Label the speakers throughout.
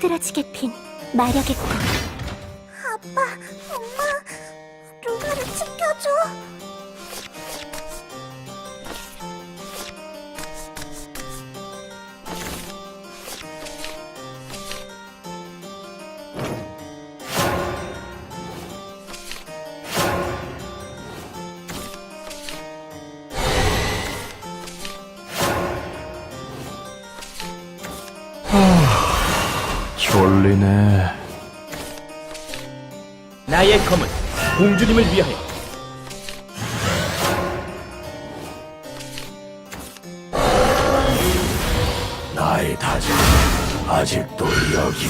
Speaker 1: 흐드러지게 핀 마력의 꽃. 아빠, 엄마, 루나를 지켜줘.
Speaker 2: 졸리네.
Speaker 3: 나의 검은 공주님을 위하여.
Speaker 2: 나의 다짐 아직도 여기.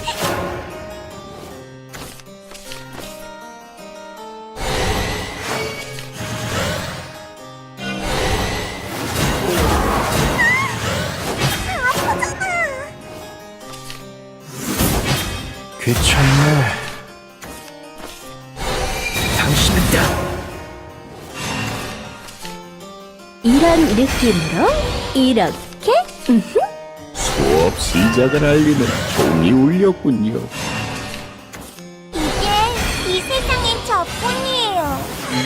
Speaker 2: 귀찮네.
Speaker 3: 당신은 다
Speaker 1: 이런 느낌으로 이렇게.
Speaker 2: 수업 시작을 알리는 종이 울렸군요.
Speaker 1: 이게 이 세상엔 저뿐이에요.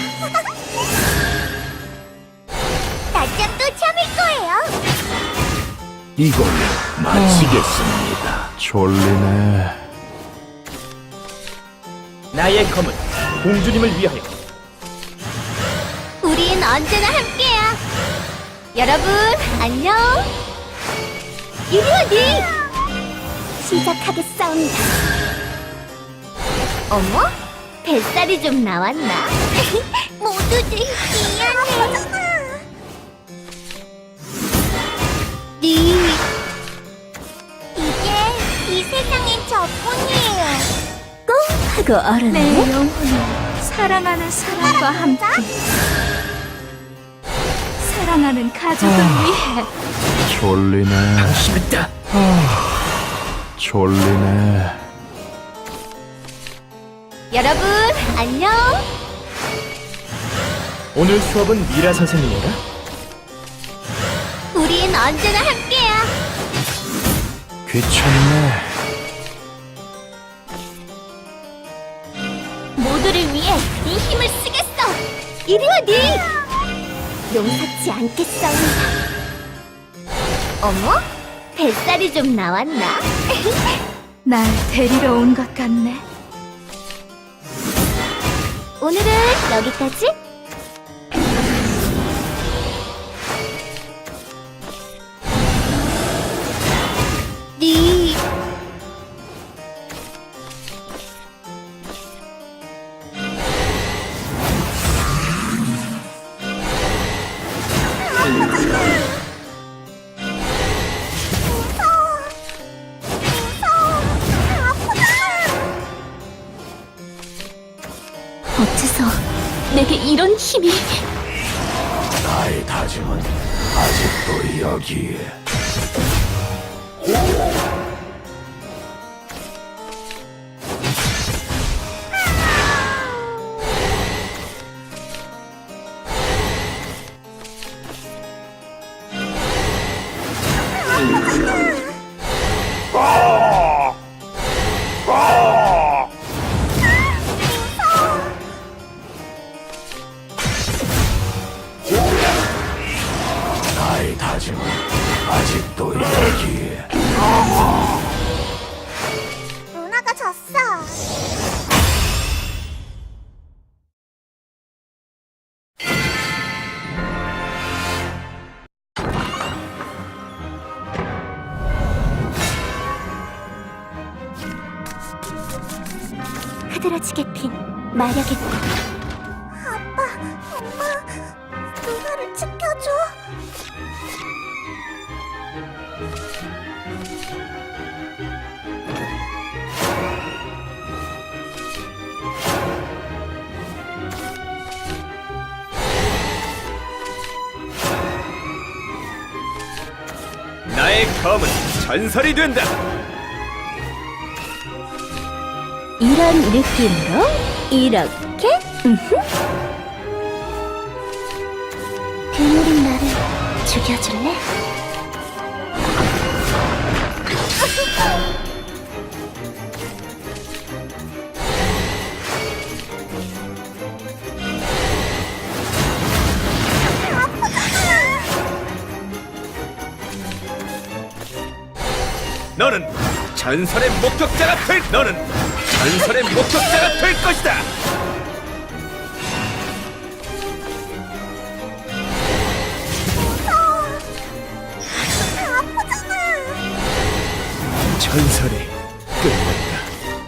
Speaker 1: 낮잠 또 참을 거예요.
Speaker 2: 이걸로 마치겠습니다. 졸리네.
Speaker 3: 나의 검은 공주님을 위하여.
Speaker 1: 우린 언제나 함께야. 여러분 안녕. 이리 어디? 시작하겠사옵니다. 어머? 뱃살이 좀 나왔나? 모두들 미안해. 이게 이 세상엔 저뿐이에요. 꽁 하고 얼었네.
Speaker 4: 내 영혼을 사랑하는 사람과 함께 사랑하는 가족을 위해
Speaker 2: 졸리네.
Speaker 3: 당신은 다
Speaker 2: 졸리네.
Speaker 1: 여러분 안녕.
Speaker 3: 오늘 수업은 미라 선생님인가?
Speaker 1: 우린 언제나 함께야.
Speaker 2: 귀찮네.
Speaker 1: 모두를 위해 이 힘을 쓰겠어. 이리 어디? 용서치 않겠사옵니다. 어머? 뱃살이 좀 나왔나?
Speaker 4: 날 데리러 온 것 같네.
Speaker 1: 오늘은 여기까지. 네. 어째서 내게 이런 힘이?
Speaker 2: 나의 다짐은 아직도 여기에. 나의 다짐은 아직도 여기에.
Speaker 1: 루나가 졌어. 흐드러지게 핀 마력의 꽃. 아빠, 엄마, 루나를 지켜줘.
Speaker 3: 나의 검은 전설이 된다.
Speaker 1: 이런 느낌으로 이렇게. 괴물인 나를 죽여줄래?
Speaker 3: 전설의 목격자가 될 너는 전설의 목격자가 될 것이다. 전설이 끝났다.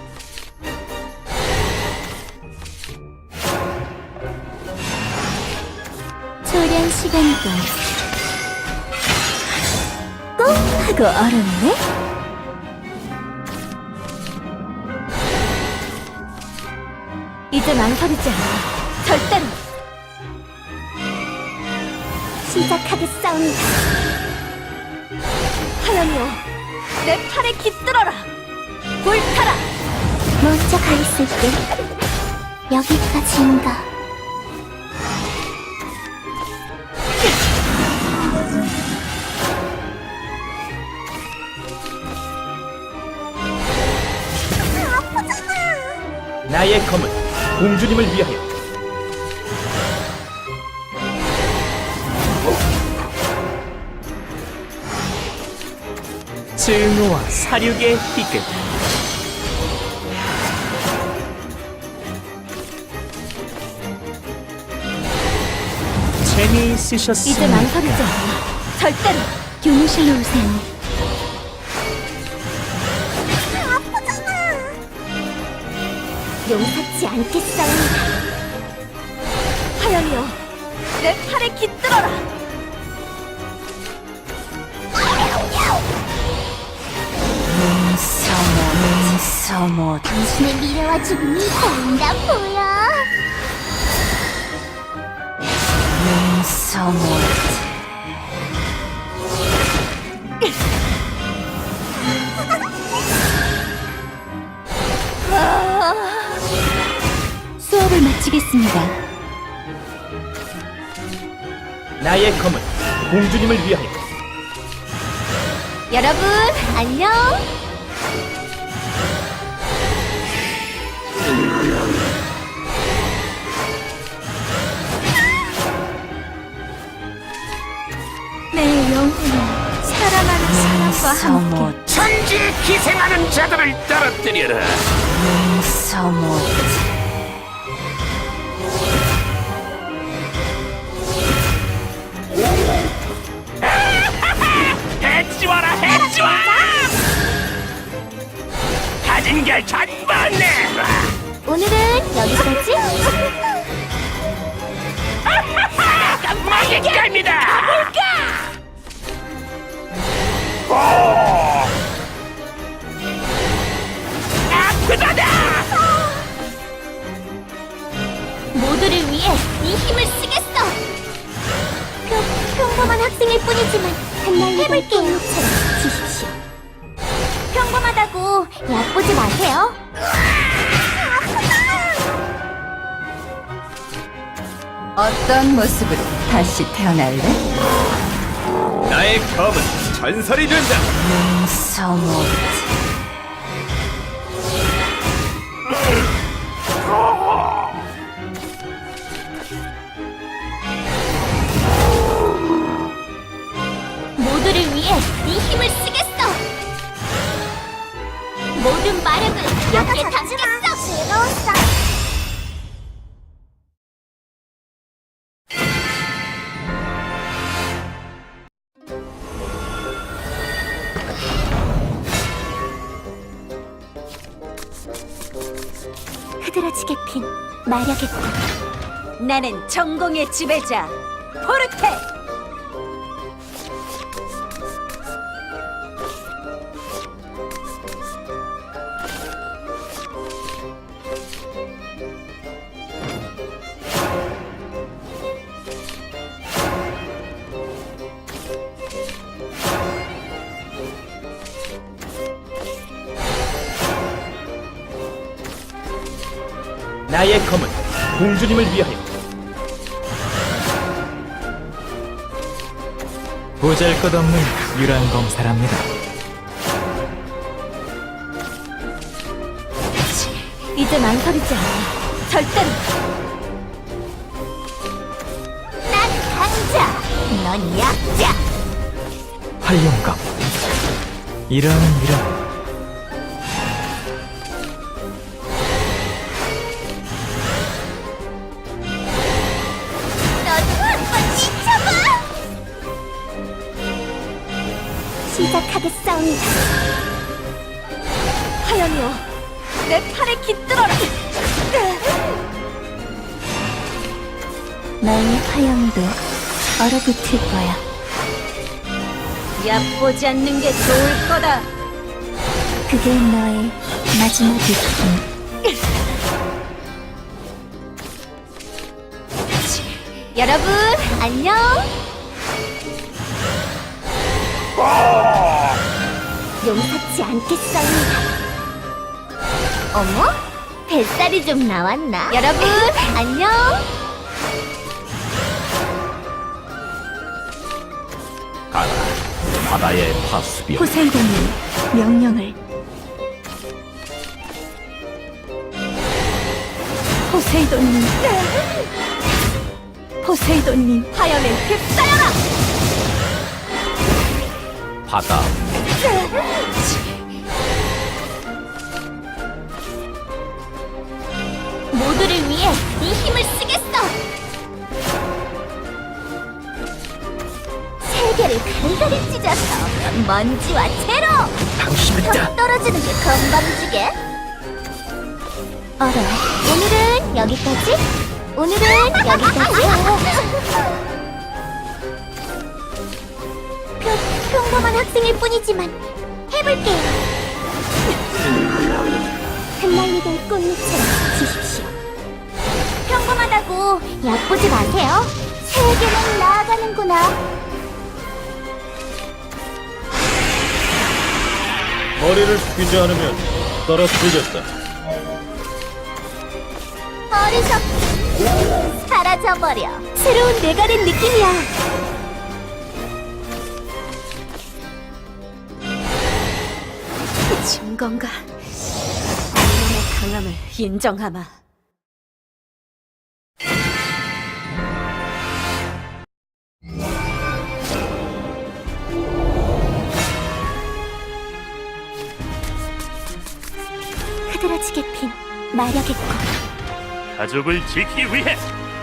Speaker 1: 초련 시간이다. 꼭 하고 얼었네. 이제 망설이지 않아. 절대로. 시작하겠사옵니다. 하연이여, 내 팔에 깃들어라. 불타라. 먼저 가 있을게. 여기까지인가.
Speaker 3: 나의 검은 공주님을 위하여. 증오와 사륙의 희극. 재미있으셨습니까?
Speaker 1: 이제 망설이지 않아. 절대로. 교무실로 오세요. 용서치 않겠사옵니다. 하연이여, 내 팔에 깃들어라.
Speaker 4: 서모
Speaker 1: 당신의 미래와 죽음이 보인다 보여.
Speaker 4: 서모
Speaker 1: 수업을 마치겠습니다.
Speaker 3: 나의 검은 공주님을 위하여.
Speaker 1: 여러분, 안녕. 내 영혼은 사랑하는 사람과 함께
Speaker 2: 천지에 기생하는 자들을 떨어뜨려라.
Speaker 4: 서모
Speaker 2: 해치워라 해치워. 가진 게 전부 내놔.
Speaker 1: 오늘은 여기까지.
Speaker 2: 먹일 겁니다. 아프다다.
Speaker 1: 모두를 위해 이 힘을 쓰겠어. 평범한 학생일 뿐이지만 해볼게요. 주십시오. 평범하다고 얕보지 마세요.
Speaker 4: 어떤 모습으로 다시 태어날래?
Speaker 3: 나의 검은 전설이 된다.
Speaker 4: 서모
Speaker 1: 모두를 위해 이 힘을 쓰겠어. 모든 마력을 여기에 담겠어. 즐거웠어. 흐드러지게 핀 마력의 꽃. 나는 전공의 지배자 포르테.
Speaker 3: 나의 검은 공주님을 위하여. 보잘것없는 유란 검사랍니다.
Speaker 1: 이제 망설이지 않아. 절대로. 난 강자, 넌 약자.
Speaker 3: 활용검. 이런
Speaker 1: 시작하겠사옵니다. 하연이여, 내 팔에 깃들어라.
Speaker 4: 너의 화염도 얼어붙을 거야.
Speaker 1: 얕보지 않는 게 좋을 거다.
Speaker 4: 그게 너의 마지막 느낌.
Speaker 1: 여러분, 안녕. 용서치 않겠사옵니다. 어머? 뱃살이 좀 나왔나? 여러분, 안녕.
Speaker 3: 가라, 바다의 파수병.
Speaker 4: 포세이돈이 명령을. 포세이돈님. 포세이돈님.
Speaker 1: 화염에 휩싸여라.
Speaker 3: 바다,
Speaker 1: 모두를 위해 이 힘을 쓰겠어. 세계를 간간히 찢어서 먼지와 채로
Speaker 3: 당신이다.
Speaker 1: 떨어지는 게 건방지게.
Speaker 4: 얼어.
Speaker 1: 오늘은 여기까지. 오늘은 여기까지. 평범한 학생일 뿐이지만 해볼게요. 흩날리던 꽃잎처럼 지십시오. 평범하다고 얕보지 마세요. 세계는 나아가는구나.
Speaker 3: 머리를 숙이지 않으면 떨어뜨리겠다.
Speaker 1: 어리석기 사라져버려. 새로운 내가 된 느낌이야. 증거인가? 인간의 강함을 인정하마. 흐드러지게 핀 마력의 꽃.
Speaker 2: 가족을 지키기 위해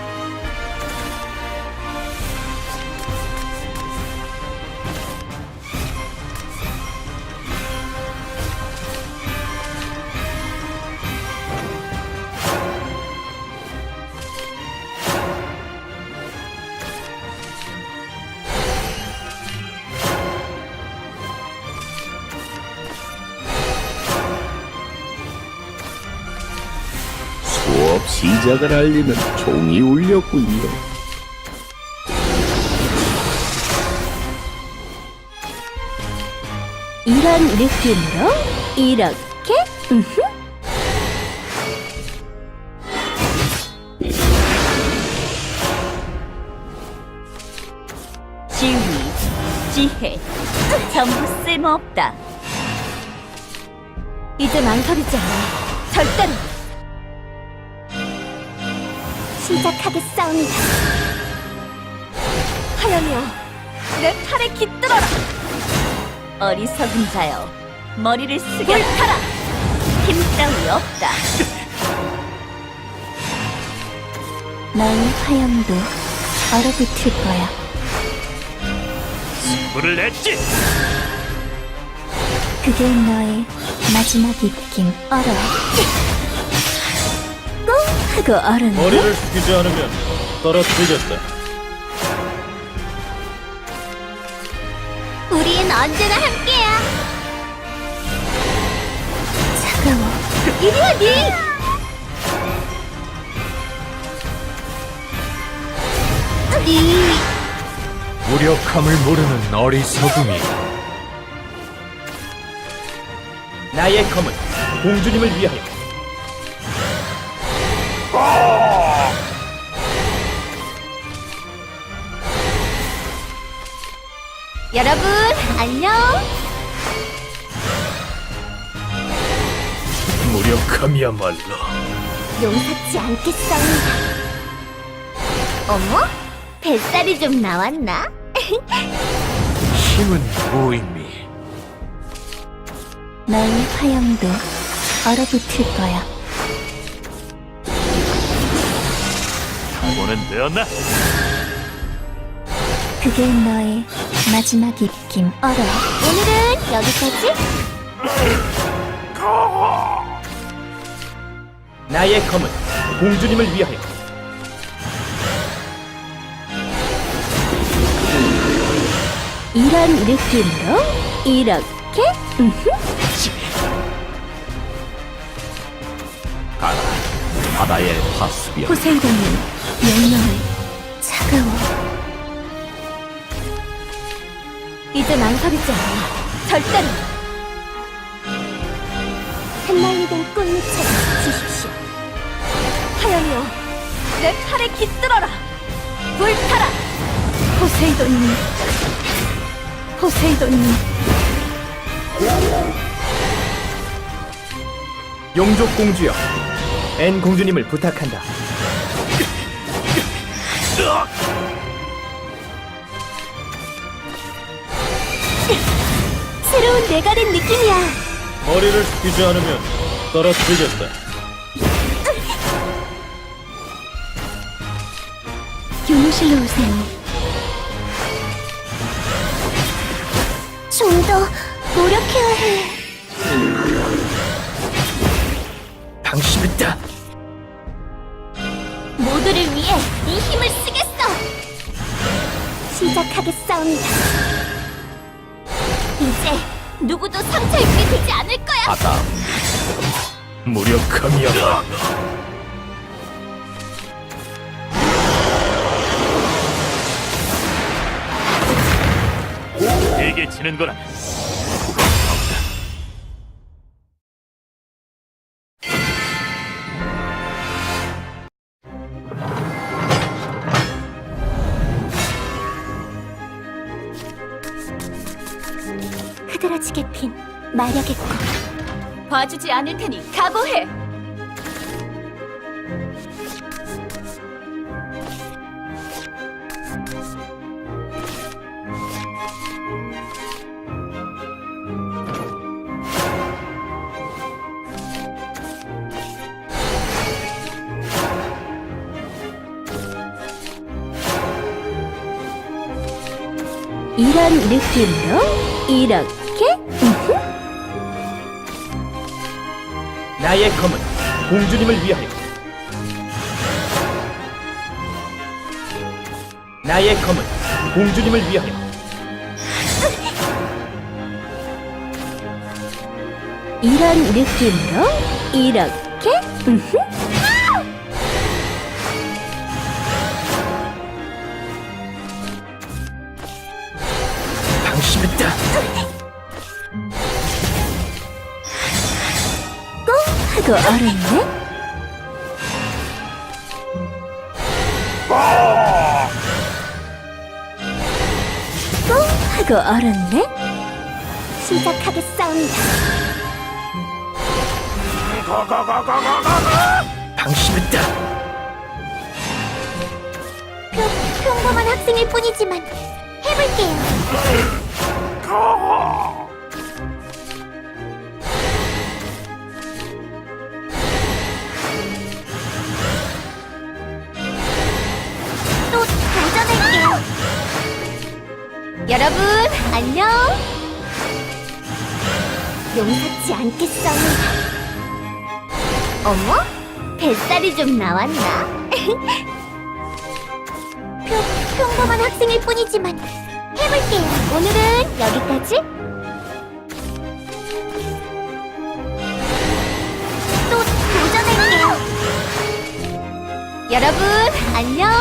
Speaker 3: 수업 시작을 알리는 종이 울렸군요.
Speaker 1: 이런 느낌으로 이렇게 지위, 지혜 전부 쓸모없다. 이제 망설이지 않아. 절대로. 시작하겠사옵니다. 하연이여, 내 팔에 깃들어라. 어리석은 자여, 머리를 숙여 타라. 힘 따위 없다.
Speaker 4: 너의 화염도 얼어붙을 거야.
Speaker 2: 불을 냈지.
Speaker 4: 그게 너의 마지막 입김. 얼어.
Speaker 1: 하고 얼음.
Speaker 3: 머리를 숙이지 않으면 떨어뜨리겠다.
Speaker 1: 우린 언제나 함께야.
Speaker 4: 차가워.
Speaker 1: 이리와 니.
Speaker 3: 무력함을 모르는 어리석음이. 나의 검은 공주님을 위하여.
Speaker 1: 여러분 안녕.
Speaker 3: 무력함이야말로
Speaker 1: 용서치 않겠사옵니다. 어머? 뱃살이 좀 나왔나?
Speaker 3: 힘은 무의미.
Speaker 4: 너의 화염도 얼어붙을 거야.
Speaker 2: 각오는 되었나?
Speaker 4: 그게 너의 마지막 입김.
Speaker 1: 알아. 오늘은 여기까지.
Speaker 3: 나의 검은 공주님을 위하여.
Speaker 1: 이런 느낌으로 이렇게.
Speaker 3: 가라, 바다의 파수병.
Speaker 4: 포세이돈이 명령을 차가워.
Speaker 1: 이제 망설이지 않아. 절대로. 흩날리던 꽃잎처럼 지십시오. 하연이여, 내 팔에 깃들어라. 불타라.
Speaker 4: 포세이돈님, 포세이돈님.
Speaker 3: 용족 공주여, 엔 공주님을 부탁한다.
Speaker 1: 새로운 내가 된 느낌이야.
Speaker 2: 머리를 숙이지 않으면 떨어뜨리겠다.
Speaker 4: 교무실로 오세요.
Speaker 1: 좀 더 노력해야 해.
Speaker 3: 방심했다.
Speaker 1: 모두를 위해 이 힘을 쓰겠어. 시작하겠사옵니다. 이제 누구도 상처 입게 되지 않을 거야.
Speaker 3: 바다 무력함이여.
Speaker 2: 내게 지는 거라.
Speaker 1: 흐드러지게 핀 마력의 꽃. 봐주지 않을 테니 각오해. 이런 느낌으로 이렇게.
Speaker 3: 나의 검은 공주님을 위하여. 나의 검은 공주님을 위하여.
Speaker 1: 이런 느낌으로 이렇게.
Speaker 3: 방심했다.
Speaker 1: 하고 얼었네. 하고 얼었네. 시작하겠사옵니다.
Speaker 3: 방심했다.
Speaker 1: 평범한 학생일 뿐이지만 해볼게요. 또 도전할게요. 여러분 안녕. 용서치 않겠습니다. 어머? 뱃살이 좀 나왔나? 평범한 학생일 뿐이지만 해볼게요. 오늘은 여기까지. 또 도전할게요. 여러분 안녕.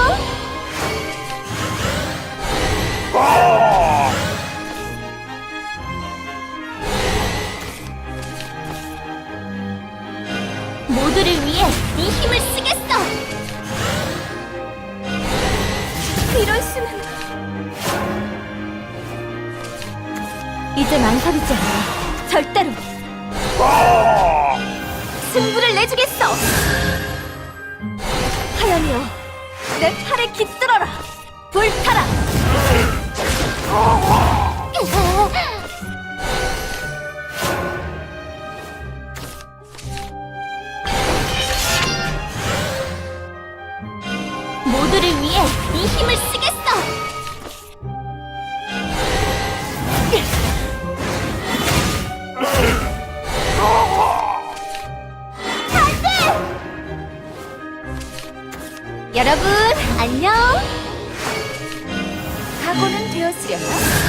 Speaker 1: 모두를 위해 이 힘을 쓰겠어. 이럴 수는. 이제 망설이지 않아. 절대로. 승부를 내주겠어. 하연이여, 내 팔에 깃들어라. 불타라. 모두를 위해 이 힘을 쓰겠어. 여러분, 안녕. 각오는 되었으려나?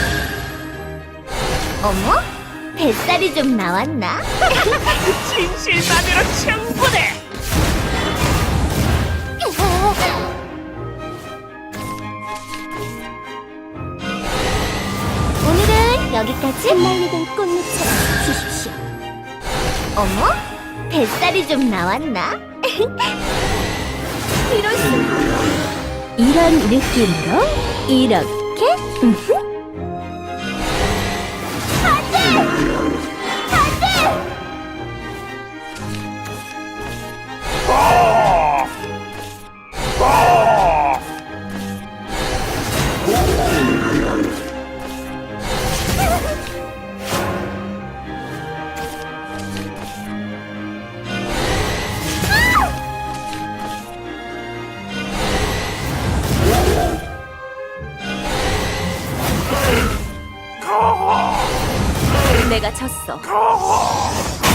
Speaker 1: 어머? 뱃살이 좀 나왔나?
Speaker 3: 진실만으로 충분해.
Speaker 1: 오늘은 여기까지. 흩날리던 꽃잎처럼 주십시오. 어머? 뱃살이 좀 나왔나? 이럴 수. 이런 느낌으로 이렇게. 내가 졌어.